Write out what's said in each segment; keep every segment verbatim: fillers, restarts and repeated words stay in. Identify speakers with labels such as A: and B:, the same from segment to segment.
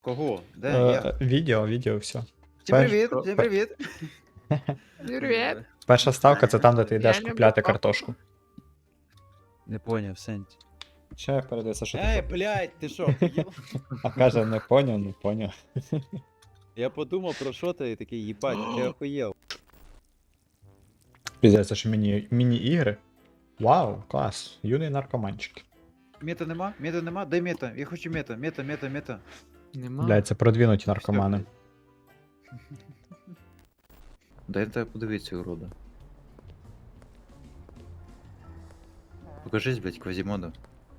A: Кого? Де?
B: Е,
A: Я?
B: Відео, відео, все.
A: Всім
B: перш-
A: привіт,
B: про-
A: всім
B: пер-
A: привіт.
C: Привіт.
B: Перша ставка це там, де ти йдеш
C: Я люблю
B: купляти
C: папу.
B: картошку.
D: Не поняв, сенс.
B: Ще передається, що
D: Ей,
B: ти.
D: блядь, ти що, охуєв?
B: А каже, не поняв, не поняв.
D: Я подумав про що ти і такий, їбать, ти охуєв.
B: Піздець, це ж міні- міні-ігри. Вау, клас. Юний наркоманчик.
A: Мета нема? Мета нема? Дай мета. Я хочу мета, мета, мета, мета.
C: Нема.
B: Блядь, це продвинуті наркомани.
A: Дай тебе подивитися, урода. Покажись, блядь, квазімода.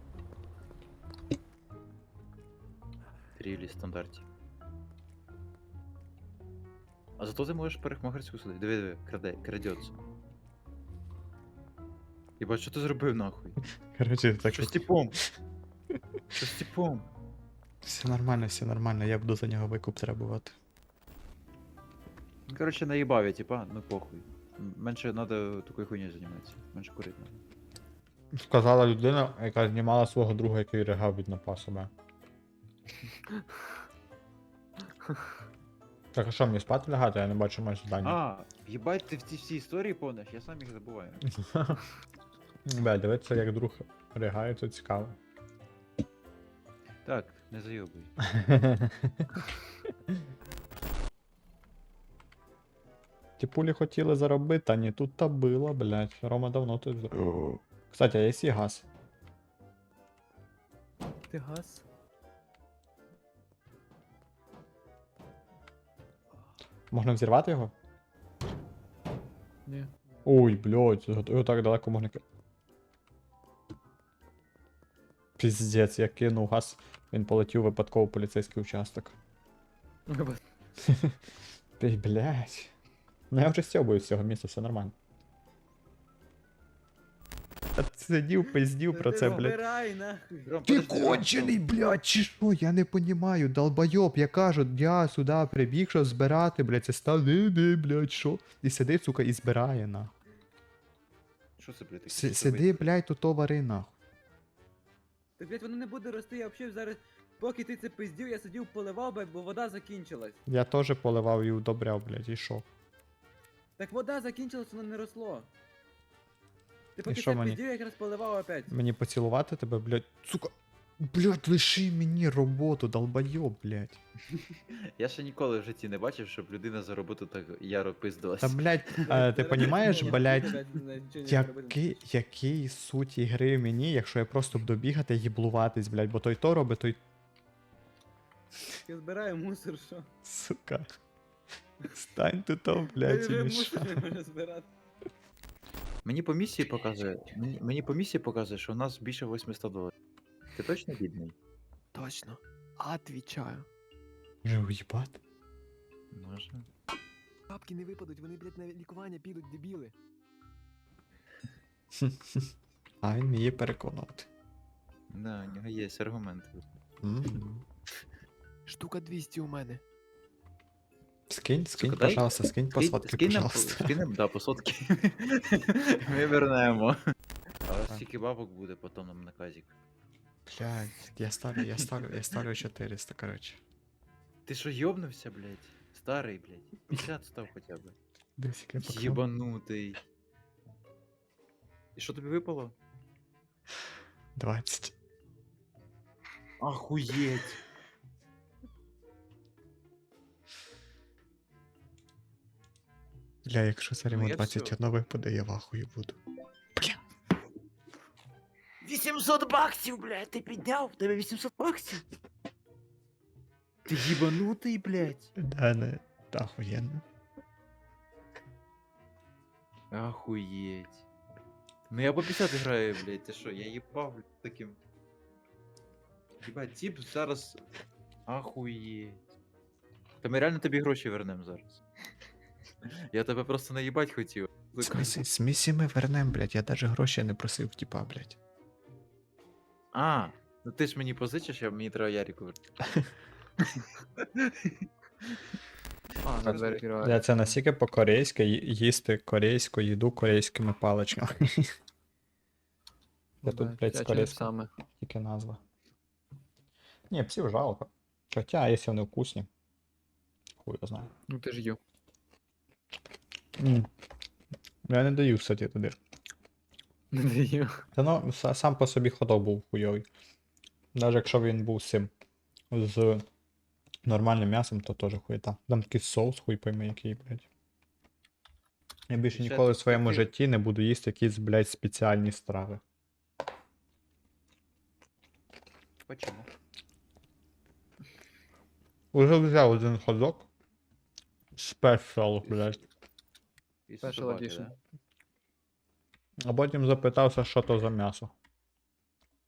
A: Трілі стандарті. А зато ти можеш парикмахерську сюди. Диви, диви, краде, крадеться. Єбать, що ти зробив нахуй?
B: Короче, так.
A: Що з типом? Що з типом?
B: Все нормально, все нормально, я буду за нього викуп требувати.
A: Ну, короче, наїбав я, типа, ну похуй. М- Менше надо такою хуйнею займатися. Менше курити надо.
B: Сказала людина, яка знімала свого друга, який ригав від напа себе. Так, а що, мені спати лягати? Я не бачу майже завдання.
A: А, їбать, ти в ці всі історії повниш, я сам їх забуваю.
B: Бля, дивитися, як друг ригає, це цікаво.
A: Так, не зайобуй.
B: Ті пулі хотіли заробити, а ні, тут та було, блядь. Рома давно тут. за- Кстати, а є сі газ.
C: Ти газ?
B: Можна взірвати його?
C: Ні.
B: Ой, блядь, його так далеко можна. ки- Піздець, я кинув газ, він полетів випадково в поліцейський участок. Ти, блядь. Ну я вже стьобую з цього місця, все нормально. Та сидів, пиздів про це, блядь.
D: Збирай, нахуй.
A: Ром,
B: Ти
A: подожди, Ром,
B: кончений, блядь, чи що? Я не понімаю, долбойоб, я кажу, я сюди прибіг, щоб збирати, блядь, це став, не, не, блядь, що? І сидить, сука, і збирає, нахуй.
A: Що це, блядь, таке?
B: Си-
A: Що
B: Сиди,
A: робити?
B: блядь, тут вари, нахуй.
E: Так, блядь, воно не буде рости, я взагалі зараз, поки ти це пиздів, я сидів поливав, блядь, бо вода закінчилась.
B: Я теж поливав і удобряв, блядь, і що?
E: Так вода закінчилась, воно не росло. Ти поки
B: що
E: це
B: мені?
E: пиздів, я якраз поливав опять.
B: Мені поцілувати тебе, блядь, сука. Блядь, лиши мені роботу, долбойоб, блядь.
A: Я ще ніколи в житті не бачив, щоб людина за роботу так яро пиздилась.
B: Та, блядь, а, ти понімаєш, блядь,
E: Який?
B: який, який суть ігри мені, якщо я просто буду бігати і їблуватись, блядь, бо той то робить, той,
E: Я збираю мусор, що?
B: сука. Стань тут, то,
E: Я
B: блядь, і
E: вже
B: мішай.
E: мусор не можу збирати.
A: Мені по місії показує, мені, мені по місії показує, що у нас більше восьмисот доларів. Ти точно бідний?
C: Точно. Отвічаю.
B: Вже уїбати.
A: Може.
C: Бабки не випадуть, вони, блядь, на лікування підуть, дебіли.
B: А він вміє переконувати.
A: Да, у нього є аргументи.
B: М.
C: Штука двісті у мене.
B: Скинь, скинь,
A: Сука, дай-
B: пожалуйста, скинь по
A: Скинь-
B: сотки,
A: скинь нам,
B: пожалуйста.
A: скинь нам, да, по сотки. Ми вернемо. Але скільки бабок буде потім нам на казік?
B: Блядь, я ставлю, я ставлю, я ставлю чотириста, короче.
A: Ти що, йобнувся, блядь? Старий, блядь. п'ятдесят став хоча б.
B: Десь як я поклав.
A: Єбанутий. І що тобі випало?
B: двадцять.
A: Ахуєть.
B: Бля, якщо це
A: Ну,
B: йому
A: я
B: двадцять один випаде, я в ахуї буду.
A: вісімсот баксів, блядь, ти підняв? В тебе вісімсот баксів? Ти їбанутий, блядь.
B: Да, не, ахуєнно.
A: Ахуєть. Ну я по п'ятдесят граю, блядь, ти що, я їбав, блядь, таким. Єбать, тип зараз. Ахуєть. Та ми реально тобі гроші вернемо зараз. Я тебе просто наїбать хотів.
B: В смісі, смісі ми вернем, блядь, я даже гроші не просив, типа, блядь.
A: А, ну ти ж мені позичиш, а мені треба Ярику вернути.
C: А, на двері відкриваю.
B: Бля, це настільки по-корейськи ї- їсти корейську їду корейськими паличками. Я тут, блядь, з
C: Я
B: корейською.
C: саме.
B: Тільки назва. Ні, псів жалко. Хоча, якщо вони вкусні. Хуй його знає.
C: Ну ти ж їв.
B: М. Я не даю, кстати, туди.
C: Не даю.
B: Та ну, са- сам по собі ходок був хуйовий. Навіть якщо він був з цим. З нормальним м'ясом, то теж хуєта. Там такий соус, хуй пойми який, блядь. Я більше
A: Ще
B: ніколи в
A: тут
B: своєму
A: такий-
B: житті не буду їсти якісь, блядь, спеціальні страви.
A: Почему?
B: Уже взяв один ходок. Спешл, блядь.
A: Із
C: Special
A: собаки,
C: edition.
A: да?
B: А потім запитався, що то за м'ясо.